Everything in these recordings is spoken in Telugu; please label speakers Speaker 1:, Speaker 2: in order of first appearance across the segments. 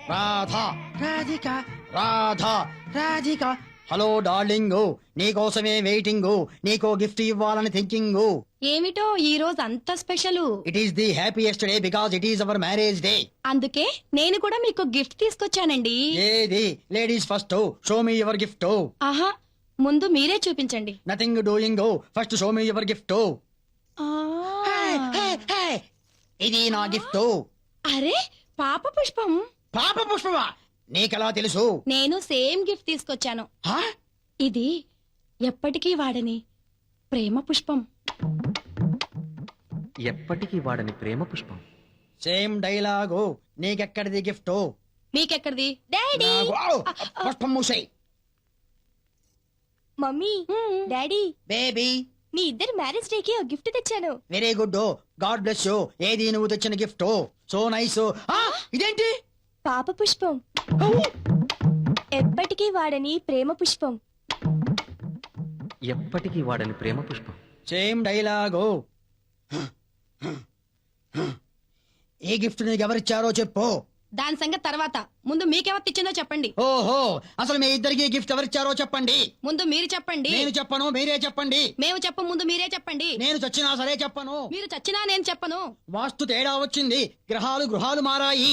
Speaker 1: రాధా రాధిక రాధా రాధిక. హలో డార్లింగ్, నీకోసమే వెయిటింగ్, నీకో గిఫ్ట్ ఇవ్వాలని థింకింగ్.
Speaker 2: ఏమిటో ఈ రోజు అంత special.
Speaker 1: It is the happiest day because it is our marriage day.
Speaker 2: అందుకే నేను కూడా మీకు గిఫ్ట్ తీసుకొచ్చానండి.
Speaker 1: ఏది ladies first, show me your gift.
Speaker 2: ఆహా, ముందు మీరే చూపించండి.
Speaker 1: Nothing doing, first show me your gift.
Speaker 2: ఆ,
Speaker 1: ఇది నా గిఫ్ట్.
Speaker 2: అరే పాప పుష్పం.
Speaker 1: పాప పుష్పమా? నీకెలా తెలుసు?
Speaker 2: నేను సేమ్ గిఫ్ట్ తీసుకొచ్చాను.
Speaker 1: హా?
Speaker 2: ఇది ఎప్పటికీ వాడని ప్రేమ పుష్పం.
Speaker 3: ఎప్పటికీ వాడని ప్రేమ పుష్పం.
Speaker 1: Same dialogue. నీకెక్కడిది గిఫ్ట్?
Speaker 2: మీకెక్కడిది? డాడీ.
Speaker 1: పుష్పం మూసే.
Speaker 2: మమ్మీ, డాడీ,
Speaker 1: బేబీ,
Speaker 2: మీ ఇద్దరు మ్యారేజ్ డే కి గిఫ్ట్ తెచ్చాను.
Speaker 1: Very good. God bless you. ఏది నువ్వు తెచ్చిన గిఫ్ట్? So nice. ఇదేంటి?
Speaker 2: పాప పుష్పం. ఎప్పటికీ వాడని ప్రేమ పుష్పం.
Speaker 3: ఎప్పటికీ వాడని ప్రేమ పుష్పం.
Speaker 1: Same dialogue. ఈ గిఫ్ట్ నీకు ఎవరిచ్చారో చెప్పు.
Speaker 2: దాని సంగతి తర్వాత, ముందు మీకెవరు ఇచ్చిందో చెప్పండి.
Speaker 1: ఓహో, అసలు మీ ఇద్దరికి గిఫ్ట్ ఎవరిచ్చారో చెప్పండి.
Speaker 2: ముందు మీరు చెప్పండి.
Speaker 1: నేను చెప్పను, మీరే చెప్పండి.
Speaker 2: మేము చెప్ప ముందు మీరే చెప్పండి.
Speaker 1: నేను చచ్చినా సరే చెప్పను.
Speaker 2: మీరు చచ్చినా నేను చెప్పను.
Speaker 1: వాస్తు తేడా వచ్చింది, గ్రహాలు గృహాలు మారాయి.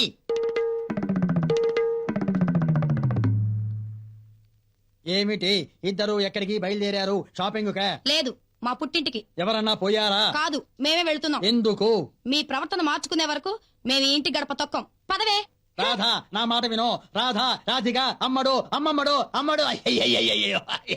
Speaker 1: ఏమిటి ఇద్దరు ఎక్కడికి బయలుదేరారు? షాపింగ్ కా?
Speaker 2: లేదు, మా పుట్టింటికి.
Speaker 1: ఎవరన్నా పోయారా?
Speaker 2: కాదు, మేమే వెళ్తున్నాం.
Speaker 1: ఎందుకు?
Speaker 2: మీ ప్రవర్తన మార్చుకునే వరకు మేము ఈ ఇంటి గడప తొక్కం. పదవే.
Speaker 1: రాధా, నా మాట వినో. రాధా, రాధిక, అమ్మడు, అమ్మమ్మడు, అమ్మడు. అయ్యయ్యయ్యయ్యో.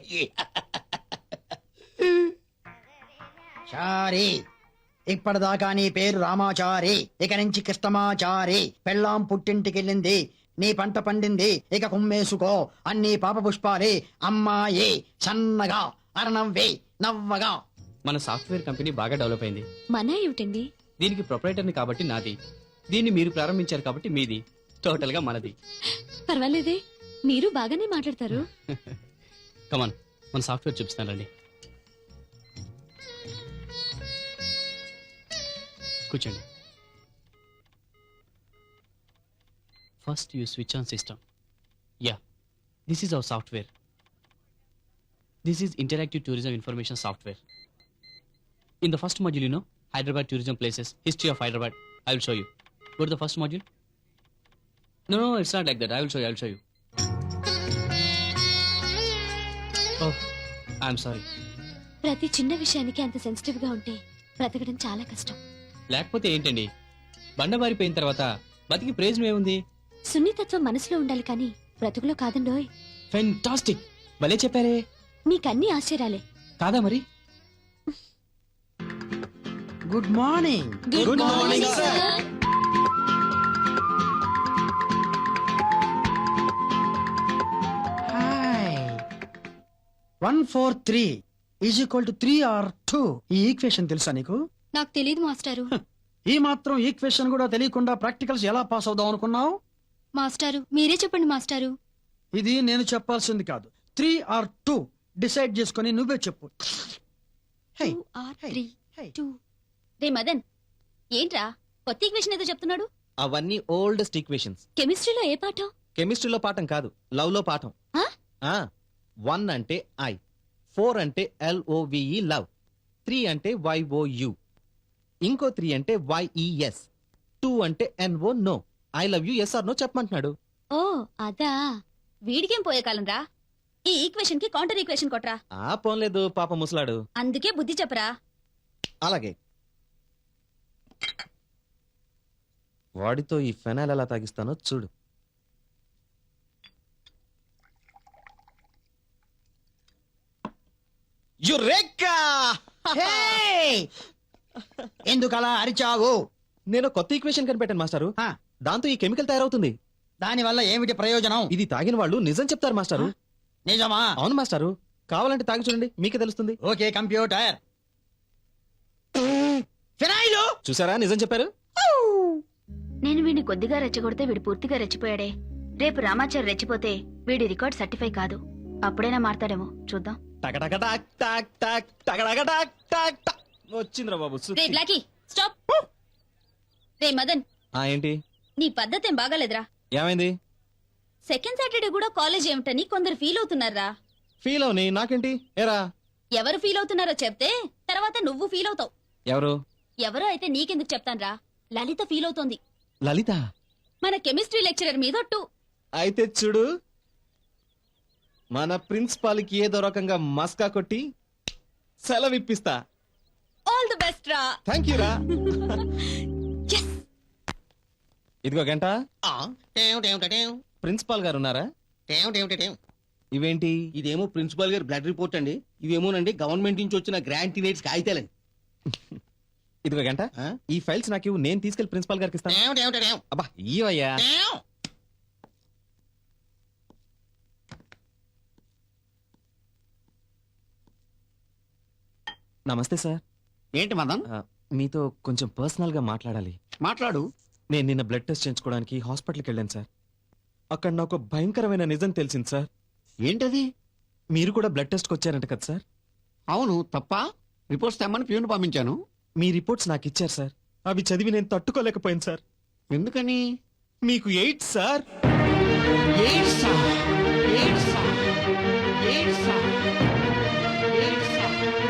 Speaker 1: చారి, ఇప్పటిదాకా నీ పేరు రామాచారి, ఇక నుంచి కృష్ణమాచారి. పెళ్ళాం పుట్టింటికెళ్ళింది, నీ పంట పండింది, ఇక కుమ్మేసుకో. అన్ని పాప పుష్పాలే. అమ్మాయి సన్నగా అరనవ్వే నవ్వగా.
Speaker 4: మన సాఫ్ట్వేర్ కంపెనీ బాగా డెవలప్ అయింది.
Speaker 2: మన ఏమిటండి?
Speaker 4: దీనికి ప్రొపరేటర్ని కాబట్టి నాది, దీన్ని మీరు ప్రారంభించారు కాబట్టి మీది, టోటల్ గా మనది.
Speaker 2: పర్వాలేదే, మీరు బాగానే మాట్లాడతారు.
Speaker 4: కమాన్, మన సాఫ్ట్వేర్ చూపిస్తానండి. కూర్చోండి. First you switch on system. Yeah, this is our software. This is interactive tourism information software. In the first module, you know, Hyderabad tourism places, history of Hyderabad. I will show you. Go to the first module. No, it's not like that. I will show you. Oh, I'm sorry.
Speaker 2: ప్రతి చిన్న విషయానికి అంత సెన్సిటివ్ గా ఉంటే బ్రతకడం చాలా కష్టం.
Speaker 4: లేకపోతే ఏంటండి, బండబారిపోయిన తర్వాత బతికి ప్రయోజనం ఏముంది?
Speaker 2: సున్నితత్వం మనసులో ఉండాలి కానీ బ్రతుకులో కాదండోయ్.
Speaker 4: ఫెంటాస్టిక్, భలే చెప్పారే.
Speaker 2: నీకన్నీ ఆశ్చర్యాలే
Speaker 4: కాదా మరి?
Speaker 1: Good morning.
Speaker 4: Good morning, sir.
Speaker 1: Hi. 143 is equal to 3 or 2. ఈ ఈక్వేషన్ తెలుసా నీకు?
Speaker 2: నాకు తెలియదు మాస్టారు.
Speaker 1: ఈ మాత్రం ఈక్వేషన్ కూడా తెలియకుండా ప్రాక్టికల్స్ ఎలా పాస్ అవుదాం అనుకున్నావు?
Speaker 2: మాస్టారు మీరే చెప్పండి మాస్టారు.
Speaker 1: ఇది నేను చెప్పాల్సింది కాదు. 3 or 2 డిసైడ్ చేసుకుని నువ్వే చెప్పు. హే,
Speaker 2: 2 or
Speaker 1: హే,
Speaker 2: 3
Speaker 1: హే.
Speaker 2: 2. రే మదన్, ఏంట్రా కొత్త ఈక్వేషన్ ఏదో చెప్తున్నాడు?
Speaker 3: అవన్నీ ఓల్డెస్ట్ ఈక్వేషన్స్.
Speaker 2: కెమిస్ట్రీలో ఏ పాఠం?
Speaker 3: కెమిస్ట్రీలో పాఠం కాదు, లవ్ లో పాఠం.
Speaker 2: ఆ?
Speaker 3: 1 అంటే ఐ, 4 అంటే LOVE లవ్, 3 అంటే YOU, ఇంకో 3 అంటే YES, 2 అంటే NO no. I love you yes or no చెప్పమంటున్నాడు.
Speaker 2: ఓ అదా. వీడికేం పోయే కాలం రా. ఈ ఈక్వేషన్ కి కౌంటర్ ఈక్వేషన్ కొట్రా.
Speaker 3: పోన్లేదు పాప ముసలాడు.
Speaker 2: అందుకే బుద్ధి చెప్పరా.
Speaker 3: అలాగే. వాడితో ఈ ఫెనాల్ ఎలా తాగిస్తానో చూడు. యురేకా!
Speaker 1: హే! ఎందుకలా అరిచావు?
Speaker 3: నేను కొత్త ఈక్వేషన్ కనిపెట్టాను మాస్టారు.
Speaker 1: ఆ,
Speaker 3: దాంతో ఈ కెమికల్ తయారవుతుంది.
Speaker 1: దానివల్ల ఏమిటి ప్రయోజనం?
Speaker 3: ఇది తాగిన వాళ్ళు నిజం చెప్తారు మాస్టారు.
Speaker 1: నిజమా?
Speaker 3: అవును మాస్టారు, కావాలంటే తాగి చూడండి, మీకే తెలుస్తుంది.
Speaker 1: Okay computer. ఫినాయిల్
Speaker 3: చూసారా, నిజం చెప్పారు.
Speaker 5: నేను వీడిని కొద్దిగా రెచ్చగొడితే వీడు పూర్తిగా రెచ్చిపోయాడే. రేపు రామాచారి రెచ్చిపోతే వీడి రికార్డ్ సర్టిఫై కాదు. అప్పుడైనా మారతాడేమో చూద్దాం.
Speaker 3: వచ్చిందిరా బాబు.
Speaker 2: రే బ్లాకీ, స్టాప్. రే మదన్,
Speaker 3: ఏంటి
Speaker 2: నీ పద్ధతి ఏం బాగాలేదురా.
Speaker 3: ఏమైంది?
Speaker 2: సెకండ్ సాటర్డే కూడా కాలేజ్ ఏమిటని కొందరు ఫీల్ అవుతున్నారా.
Speaker 3: ఫీల్ అవని నాకేంటి ఏరా.
Speaker 2: ఎవరు ఫీల్ అవుతున్నారో చెప్తే తర్వాత నువ్వు ఫీల్ అవుతావు.
Speaker 3: ఎవరు?
Speaker 2: ఎవరో అయితే నీకెందుకు చెప్తాన్రా. లలిత ఫీల్ అవుతోంది.
Speaker 3: లలిత?
Speaker 2: మన కెమిస్ట్రీ లెక్చరర్ మీద ఒట్టు.
Speaker 3: అయితే చూడు, మన ప్రిన్సిపాల్ కి ఏదో రకంగా మస్కా కొట్టి సెలవిప్పిస్తా.
Speaker 2: ఆల్ ది బెస్ట్ రా.
Speaker 3: థ్యాంక్ యూ రా.
Speaker 2: Yes.
Speaker 3: ఇదిగో గంట. ప్రిన్సిపాల్ గారు ఉన్నారా? ఇవేంటి?
Speaker 6: ఇదేమో ప్రిన్సిపాల్ గారి బ్లడ్ రిపోర్ట్ అండి. ఇవేమోనండి గవర్నమెంట్ నుంచి వచ్చిన గ్రాంట్ ఇనేట్స్ కాగితాలండి.
Speaker 3: ఇదిగో గంట,
Speaker 6: ఆ?
Speaker 3: ఈ ఫైల్స్ నాకు ఇవ్వు, నేను తీసుకెళ్లి ప్రిన్సిపాల్ గారికి ఇస్తాను. అబ్బా ఇయ్యవయ్యా. నమస్తే సార్.
Speaker 6: ఏంటి మదన్?
Speaker 3: మీతో కొంచెం పర్సనల్ గా మాట్లాడాలి.
Speaker 6: మాట్లాడు.
Speaker 3: నేను నిన్న బ్లడ్ టెస్ట్ చేయించుకోవడానికి హాస్పిటల్కి వెళ్ళాను సార్. అక్కడ నాకు భయంకరమైన నిజం తెలిసింది సార్.
Speaker 6: ఏంటది?
Speaker 3: మీరు కూడా బ్లడ్ టెస్ట్కి వచ్చారంట కదా సార్?
Speaker 6: అవును, తప్ప. రిపోర్ట్స్ తెమ్మని ప్యూన్ పంపించాను.
Speaker 3: మీ రిపోర్ట్స్ నాకు ఇచ్చారు సార్. అవి చదివి నేను తట్టుకోలేకపోయాను సార్.
Speaker 6: ఎందుకని?
Speaker 3: మీకు ఎయిడ్స్ సార్.
Speaker 6: ఎయిడ్సా? ఎయిడ్సా? ఎయిడ్సా? ఎయిడ్సా?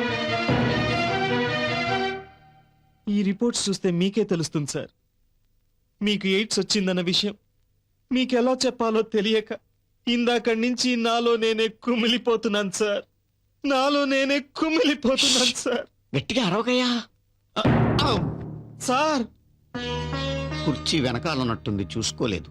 Speaker 3: ఈ రిపోర్ట్స్ చూస్తే మీకే తెలుస్తుంది సార్. మీకు ఎయిడ్స్ వచ్చిందన్న విషయం మీకు ఎలా చెప్పాలో తెలియక ఇందాక నుంచి నాలో నేనే కుమిలిపోతున్నాను సార్. నాలో నేనే కుమిలిపోతున్నాను సార్.
Speaker 6: గట్టిగా అరవకయ్యా.
Speaker 3: సార్,
Speaker 6: కుర్చీ వెనకాలన్నట్టుంది, చూసుకోలేదు.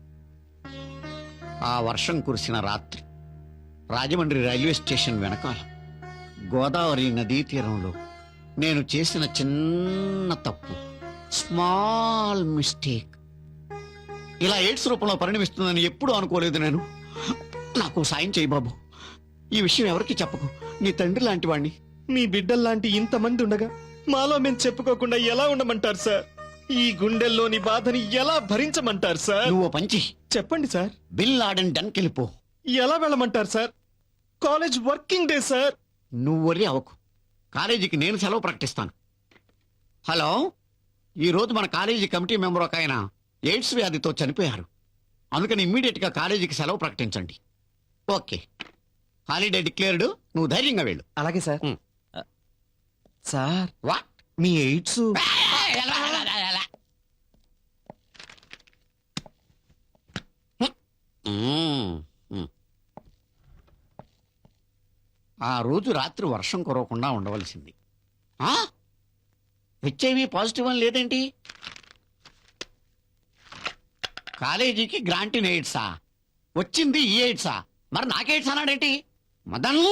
Speaker 6: ఆ వర్షం కురిసిన రాత్రి రాజమండ్రి రైల్వే స్టేషన్ వెనకాల గోదావరి నదీ తీరంలో నేను చేసిన చిన్న తప్పు, స్మాల్ మిస్టేక్, ఇలా ఎయిడ్స్ రూపంలో పరిణమిస్తుందని ఎప్పుడూ అనుకోలేదు నేను. నాకు సాయం చేయి బాబు. ఈ విషయం ఎవరికి చెప్పకు. నీ తండ్రి లాంటి వాణ్ణి.
Speaker 3: మీ బిడ్డల్లాంటి ఇంతమంది ఉండగా మాలో మేము చెప్పుకోకుండా ఎలా ఉండమంటారు సార్? ఈ గుండెల్లోని బాధని ఎలా భరించమంటారు సార్?
Speaker 6: నువ్వు పంచి
Speaker 3: చెప్పండి సార్.
Speaker 6: బిల్ లాడెన్ డన్కెళ్ళిపో.
Speaker 3: ఎలా వెళ్ళమంటారు sir? College working day sir.
Speaker 6: నువ్వు వరి అవకు. కాలేజీకి నేను సెలవు ప్రకటిస్తాను. హలో, ఈ రోజు మన కాలేజీ కమిటీ మెంబర్ ఒక ఆయన ఎయిడ్స్ వ్యాధితో చనిపోయారు. అందుకని ఇమ్మీడియట్ గా కాలేజీకి సెలవు ప్రకటించండి. Okay, holiday declared. నువ్వు ధైర్యంగా వెళ్ళు.
Speaker 3: అలాగే సార్.
Speaker 6: ఉమ్.
Speaker 3: Sir,
Speaker 6: what?
Speaker 3: మీ ఎయిడ్స్
Speaker 6: ఆ రోజు రాత్రి వర్షం కురవకుండా ఉండవలసింది. హెచ్ఐవి పాజిటివ్ అని లేదేంటి? కాలేజీకి గ్రాంట్ ఇన్ ఎయిడ్సా? వచ్చింది ఈ ఎయిడ్సా? మరి నాకెయిడ్స్ అన్నాడేంటి? మదన్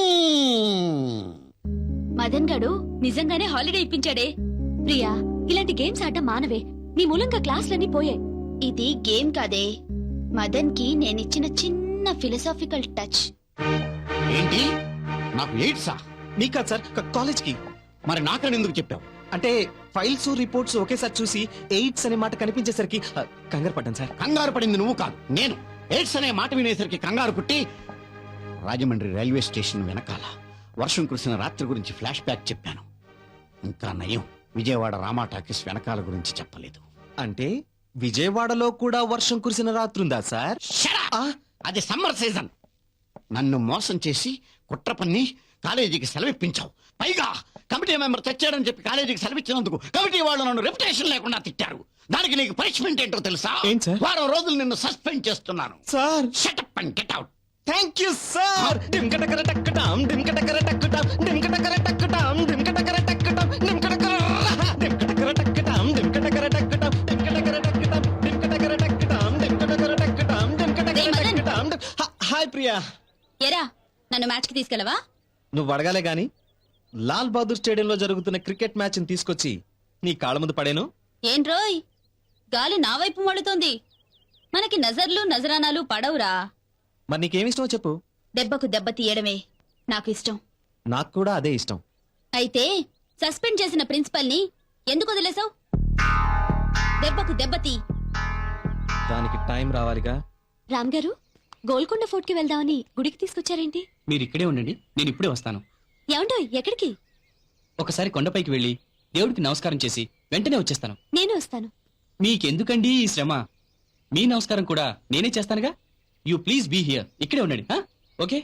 Speaker 2: మదన్ గడు నిజంగానే హాలిడే ఇప్పించాడే. ప్రియా, ఇలాంటి గేమ్స్ ఆడటం మానవే. నీ మూలంగా క్లాసులన్నీ పోయాయి.
Speaker 5: ఇది గేమ్ కాదే, మదన్ కి నేనిచ్చిన చిన్న ఫిలసాఫికల్ టచ్.
Speaker 6: ఏంటి? నాకు ఎయిడ్సా?
Speaker 3: మీకు కాదు సార్, కాలేజ్ కి.
Speaker 6: మరి నాకని ఎందుకు చెప్పావు?
Speaker 3: అంటే ఫైల్స్ రిపోర్ట్స్ ఒకేసారి చూసి ఎయిడ్స్ అనే మాట కనిపించేసరికి కంగారు పడ్డాను సార్.
Speaker 6: కంగారు పడింది నువ్వు కాదు, నేను. ఎయిడ్స్ అనే మాట వినేసరికి కంగారు పుట్టి రాజమండ్రి రైల్వే స్టేషన్ వెనకాల వర్షం కురిసిన రాత్రి గురించి ఫ్లాష్ బ్యాక్ చెప్పాను. ఇంకా నయం, విజయవాడ రామా టాకీస్ వెనకాల గురించి చెప్పలేదు.
Speaker 3: అంటే విజయవాడలో కూడా వర్షం కురిసిన రాత్రుందా సార్?
Speaker 6: Shut up! అది సమ్మర్ సీజన్. నన్ను మోసం చేసి కుట్ర పన్ని కాలేజీకి సెలవిప్పించావు. పైగా కమిటీ మెంబర్ తెచ్చాడని చెప్పి కాలేజీకి సెలవిచ్చినందుకు కమిటీ వాళ్ళు నన్ను రెప్యుటేషన్ లేకుండా తిట్టారు. దానికి నీకు పనిష్మెంట్ ఏంటో తెలుసా?
Speaker 3: ఏంటి సార్?
Speaker 6: వారం రోజులు నిన్ను సస్పెండ్ చేస్తున్నాను.
Speaker 3: Sir,
Speaker 6: shut up and get out.
Speaker 3: Thank you sir. డింకటకర టక్కటాం, డింకటకర టక్కటాం, డింకటకర టక్కటాం, డింకటకర టక్కటాం, డింకటకర డింకటకర టక్కటాం, డింకటకర టక్కటాం, డింకటకర టక్కటాం, డింకటకర టక్కటాం, డింకటకర టక్కటాం, డింకటకర టక్కటాం. హాయ్ ప్రియా.
Speaker 2: ఎరా, నన్ను మ్యాచ్ కి తీసుకెళ్ళవా?
Speaker 3: నువ్వు అడగాలే గాని లాల్ బహదూర్ స్టేడియంలో జరుగుతున్న క్రికెట్ మ్యాచ్ ని తీసుకొచ్చి నీ కాళ్ళ ముందు పడేను.
Speaker 2: ఏంట్రోయ్, గాలి నా వైపు మళ్ళుతోంది. మనకి నజర్లు నజరానాలు పడవురా.
Speaker 3: మరి నీకేమిష్టమో చెప్పు.
Speaker 2: దెబ్బకు దెబ్బ తీయడమే నాకు ఇష్టం.
Speaker 3: నాకు కూడా అదే ఇష్టం.
Speaker 2: అయితే సస్పెండ్ చేసిన ప్రిన్సిపల్ ని ఎందుకు వదిలేసావు? దెబ్బకు దెబ్బ తీ.
Speaker 3: దానికి టైం రావాలిగా.
Speaker 2: రామ్ గారు, గోల్కొండ ఫోర్ట్ కి వెళ్దామని గుడికి తీసుకొచ్చారేంటి?
Speaker 4: మీరు ఇక్కడే ఉండండి, నేను ఇప్పుడే వస్తాను.
Speaker 2: ఏమంటో ఎక్కడికి?
Speaker 4: ఒకసారి కొండపైకి వెళ్ళి దేవుడికి నమస్కారం చేసి వెంటనే వచ్చేస్తాను.
Speaker 2: నేను వస్తాను.
Speaker 4: మీకెందుకండి ఈ శ్రమ? మీ నమస్కారం కూడా నేనే చేస్తానుగా. You please be here. ఇక్కడే ఉండండి. ఓకే.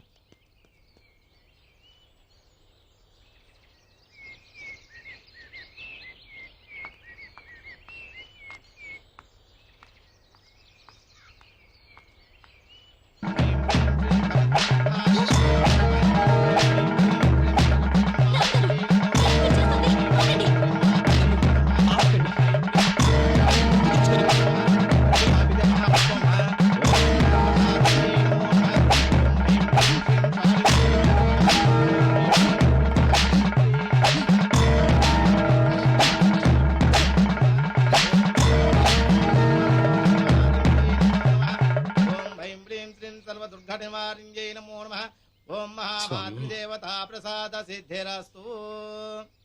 Speaker 7: ఓం ఐం హ్రీం శ్రీం సర్వదుర్ఘటనివారిణ్యై నమో నమః. ఓం మహామాతృదేవతా ప్రసాద సిద్ధిరస్తు.